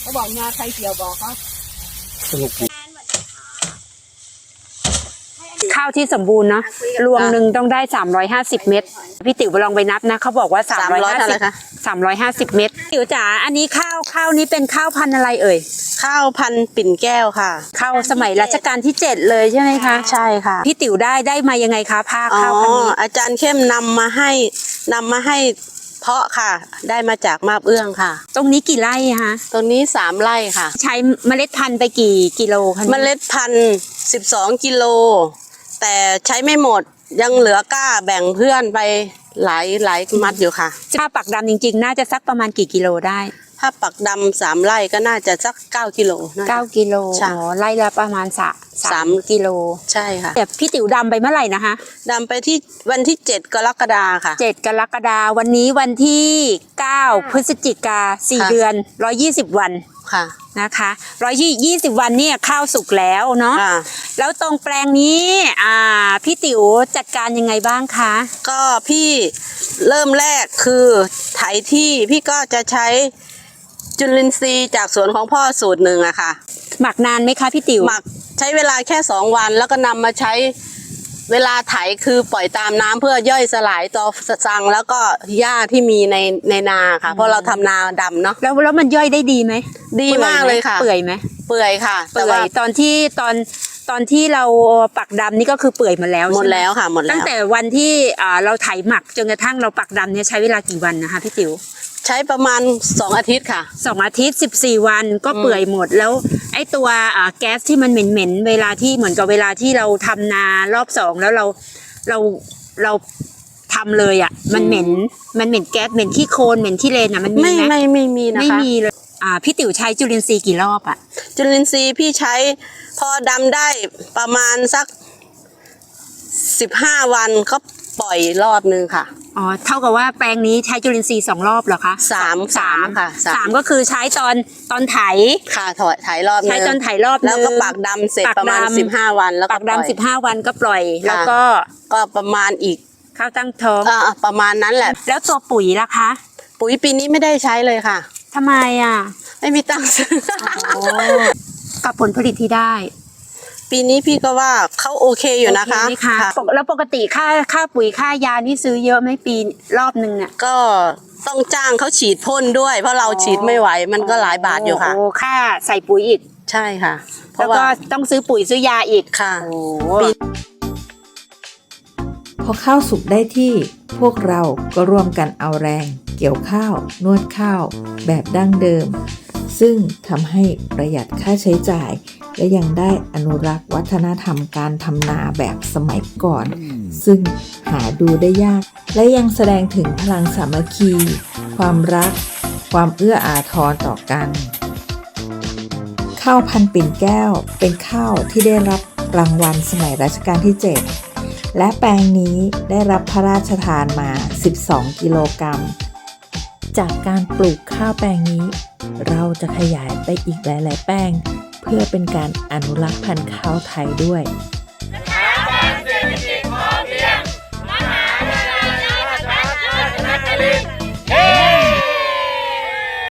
เขาบอกงาใครเกี่ยวบอกเขาสนุกดีข้าวที่สมบูรณ์เนาะรวงหนึ่งต้องได้350เม็ดพี่ติ๋วลองไปนับนะเขาบอกว่า350เม็ดติ๋วจ๋าอันนี้ข้าวนี้เป็นข้าวพันธุ์อะไรเอ่ยข้าวพันธุ์ปิ่นแก้วค่ะข้าวสมัยรัชกาลที่7เลยใช่ไหมคะใช่ค่ะพี่ติ๋วได้มายังไงคะผ้าข้าวพันธุ์นี้อาจารย์เข้มนำมาให้เพาะค่ะได้มาจากมาบเอื้องค่ะตรงนี้กี่ไร่คะตรงนี้3ไร่ค่ะใช้เมล็ดพันธุ์ไปกี่กิโลคะเมล็ดพันธุ์12กิโลแต่ใช้ไม่หมดยังเหลือก้าแบ่งเพื่อนไปหลายมัดอยู่ค่ะถ้าปักดำจริงๆน่าจะสักประมาณกี่กิโลได้ถ้าปักดำ3ไร่ก็น่าจะสัก9กิโล 9กิโลอ๋อไร่ละประมาณ3กิโลใช่ค่ะแต่พี่ติ๋วดำไปเมื่อไหร่นะคะดำไปที่วันที่7กรกฎาคมค่ะ 7กรกฎาคมวันนี้วันที่9พฤศจิกา4เดือน120วันค่ะนะคะ120วันเนี่ยข้าวสุกแล้วเนาะแล้วตรงแปลงนี้พี่ติ๋วจัดการยังไงบ้างคะก็พี่เริ่มแรกคือไถที่พี่ก็จะใช้จุลินทรีย์จากสวนของพ่อสูตรหนึ่งอะค่ะหมักนานไหมคะพี่ติ๋วหมักใช้เวลาแค่2วันแล้วก็นำมาใช้เวลาไถคือปล่อยตามน้ำเพื่อย่อยสลายต่อสังแล้วก็หญ้าที่มีในนาค่ะเพราะเราทำนาดำเนาะแล้วมันย่อยได้ดีไหมดีมากเลยค่ะเปื่อยไหมเปื่อยค่ะเปื่อยตอนที่เราปักดำนี่ก็คือเปื่อยหมดแล้วหมดแล้วค่ะหมดแล้วตั้งแต่วันที่เราไถหมักจนกระทั่งเราปักดำเนี่ยใช้เวลากี่วันนะคะพี่ติ๋วใช้ประมาณ2อาทิตย์ค่ะ 2อาทิตย์14วันก็เปื่อยหมดแล้วไอ้ตัวแก๊สที่มันเหม็นเวลาที่เหมือนกับเวลาที่เราทำนารอบ2แล้วเราทำเลยอ่ะมันเหม็นแก๊สเหม็นขี้โคลนเหม็นขี้เลนอ่ะมันมีไหมไม่มีนะคะไม่มีเลยพี่ติ๋วใช้จุลินทรีย์กี่รอบอ่ะจุลินทรีย์พี่ใช้พอดำได้ประมาณสัก15วันก็ปล่อยรอบนึงค่ะอ๋อเท่ากับว่าแปลงนี้ใช้จุลินทรีย์2รอบเหรอคะ 3ค่ะ 3ก็คือใช้ตอนไถค่ะไถรอบนึงใช้ตอนไถรอบแล้วก็ปักดำเสร็จประมาณ15วันแล้วก็ปักดำ15วันก็ปล่อยแล้วก็ประมาณอีกข้าวตั้งท้องประมาณนั้นแหละแล้วตัวปุ๋ยล่ะคะปุ๋ยปีนี้ไม่ได้ใช้เลยค่ะทำไมไม่มีตังค์ซื้อกับผลผลิตที่ได้ปีนี้พี่ก็ว่าเขาโอเคอยู่นะคะแล้วปกติค่าปุ๋ยค่ายานี่ซื้อเยอะไหมปีรอบนึงเนี่ยก็ต้องจ้างเขาฉีดพ่นด้วยเพราะเราฉีดไม่ไหวมันก็หลายบาทอยู่ค่ะค่าใส่ปุ๋ยอีกใช่ค่ะแล้วก็ต้องซื้อปุ๋ยซื้อยาอีกค่ะพอข้าวสุกได้ที่พวกเราก็ร่วมกันเอาแรงเกี่ยวข้าวนวดข้าวแบบดั้งเดิมซึ่งทำให้ประหยัดค่าใช้จ่ายและยังได้อนุรักษ์วัฒนธรรมการทำนาแบบสมัยก่อนซึ่งหาดูได้ยากและยังแสดงถึงพลังสามัคคีความรักความเอื้ออาทรต่อกันข้าวพันธุ์ปิ่นแก้วเป็นข้าวที่ได้รับรางวัลสมัยรัชกาลที่7และแปลงนี้ได้รับพระราชทานมา12กิโลกรัมจากการปลูกข้าวแปลงนี้เราจะขยายไปอีกหลายๆแปลงเพื่อเป็นการอนุรักษ์พันธุ์ข้าวไทยด้วยสถาบันเศรษฐกิจพอเพียงมหาวิทยาลัยราชภัฏราชนครินทร์